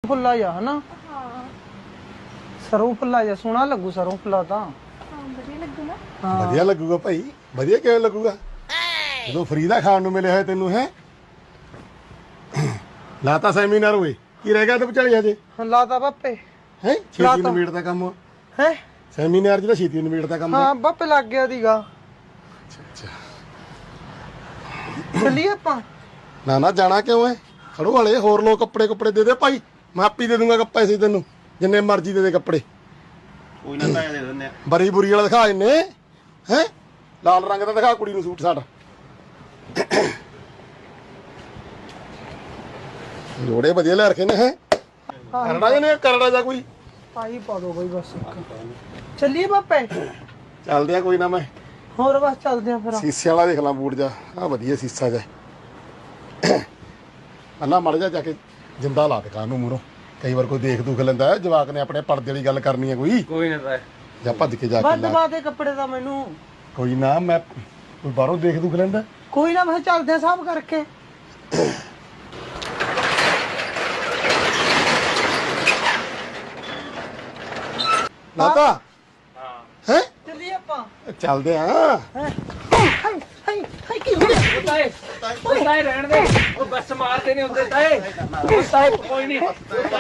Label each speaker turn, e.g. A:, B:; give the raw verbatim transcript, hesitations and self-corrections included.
A: ਫੁੱਲਾ ਜਾ ਹਨਾ
B: ਹਾਂ
A: ਸਰੋਂ ਫੁੱਲਾ ਜਾ ਸੋਹਣਾ ਲੱਗੂ ਸਰੋਂ ਫੁੱਲਾ ਤਾਂ
B: ਹਾਂ ਵਧੀਆ ਲੱਗੂ ਨਾ
A: ਹਾਂ
C: ਵਧੀਆ ਲੱਗੂਗਾ ਭਾਈ ਵਧੀਆ ਕਿਵੇਂ ਲੱਗੂਗਾ ਜਦੋਂ ਫਰੀ ਦਾ ਖਾਣ ਨੂੰ ਮਿਲਿਆ ਹੋਇਆ ਤੈਨੂੰ ਹੈ ਲਾਤਾ ਸੈਮੀਨਾਰ ਹੋਏ ਕੀ ਰਹਿ ਗਿਆ ਤੇ ਵਿਚਾਲੇ ਹਜੇ
A: ਲਾਤਾ ਬਾਪੇ
C: ਹੈ ਛੇਤੀ
A: ਲਾਤਾ।
C: ਨਵੇੜ ਦਾ ਕੰਮ
A: ਹੈ
C: ਸੈਮੀਨਾਰ ਜਿਹੜਾ ਛੇਤੀ ਨਵੇੜ ਦਾ ਕੰਮ
A: ਹਾਂ ਬਾਪੇ ਲੱਗ ਗਿਆ ਦੀਗਾ
C: ਅੱਛਾ
A: ਚੱਲੀਏ ਆਪਾਂ
C: ਨਾ ਨਾ ਜਾਣਾ ਕਿਉਂ ਹੈ ਖੜੋ ਵਾਲੇ ਹੋਰ ਲੋਕ ਕੱਪੜੇ ਕੱਪੜੇ ਦੇ ਦੇ ਭਾਈ ਮੈਂ ਆਪੀ ਦੇ ਦੂੰਗਾ ਪੈਸੇ ਤੈਨੂੰ ਜਿੰਨੇ ਮਰਜ਼ੀ ਦੇ ਦੇ ਕੱਪੜੇ
D: ਕੋਈ ਨਾ ਤਾਂ ਦੇ ਦਿੰਦੇ ਆ
C: ਬਰੀ ਬੁਰੀ ਵਾਲਾ ਦਿਖਾ ਇੰਨੇ ਹੈ ਲਾਲ ਰੰਗ ਦਾ ਦਿਖਾ ਕੁੜੀ ਨੂੰ ਸੂਟ ਸਾਟ ਜੋੜੇ ਵਧੀਆ ਲੈ ਰੱਖੇ ਨੇ ਹੈ ਕਰੜਾ ਜਾਂ ਨਹੀਂ ਕਰੜਾ ਜਾਂ ਕੋਈ
A: ਆਹੀ ਪਾ ਦੋ ਬਈ ਬਸ ਇੱਕ ਚੱਲੀਏ ਬਾਪੇ
C: ਚੱਲਦੇ ਆ ਕੋਈ ਨਾ ਮੈਂ
A: ਹੋਰ ਬਸ ਚੱਲਦੇ ਆ ਫਿਰ
C: ਸੀਸੇ ਵਾਲਾ ਦੇਖ ਲਾਂ ਬੂਟ ਜਾ ਆ ਵਧੀਆ ਸੀਸਾ ਜਾ ਅੱਲਾ ਮੜ ਜਾ ਜਾ ਕੇ ਜਿੰਦਾ ਲਾ ਦੇ ਕਾਂ ਨੂੰ ਮੂਰੋਂ ਕਈ ਵਾਰ ਕੋਈ ਦੇਖ ਦੁਖ ਲੈਂਦਾ ਜਵਾਕ ਨੇ ਆਪਣੇ ਪਰਦੇ ਵਾਲੀ ਗੱਲ ਕਰਨੀ ਹੈ ਕੋਈ
D: ਕੋਈ ਨਾ ਤਾਂ
C: ਜਾਂ ਭੱਜ ਕੇ ਜਾ ਕੇ
A: ਵੱਧ
C: ਲਾ
A: ਬਾਦੇ ਕੱਪੜੇ ਦਾ ਮੈਨੂੰ
C: ਕੋਈ ਨਾ ਮੈਂ ਕੋਈ ਬਾਹਰੋਂ ਦੇਖ ਦੁਖ ਲੈਂਦਾ
A: ਕੋਈ ਨਾ ਮੈਂ ਕਿਹਾ ਚੱਲਦੇ ਆ ਸਾਹਬ ਕਰਕੇ
C: ਲਾਤਾ ਹੈ
A: ਚੱਲੀਏ ਆਪਾਂ
C: ਚੱਲਦੇ ਆ
A: ਹਾਈ ਹਾਈ ਹਾਈ ਕੀ ਹੋ ਗਿਆ
D: ਤਾਏ ਤਾਏ ਰਹਿਣ ਦੇ ਉਹ ਬੱਸ ਮਾਰਦੇ ਨਹੀਂ ਹੁੰਦੇ ਤਾਏ ਤਾਏ ਕੋਈ ਨਹੀਂ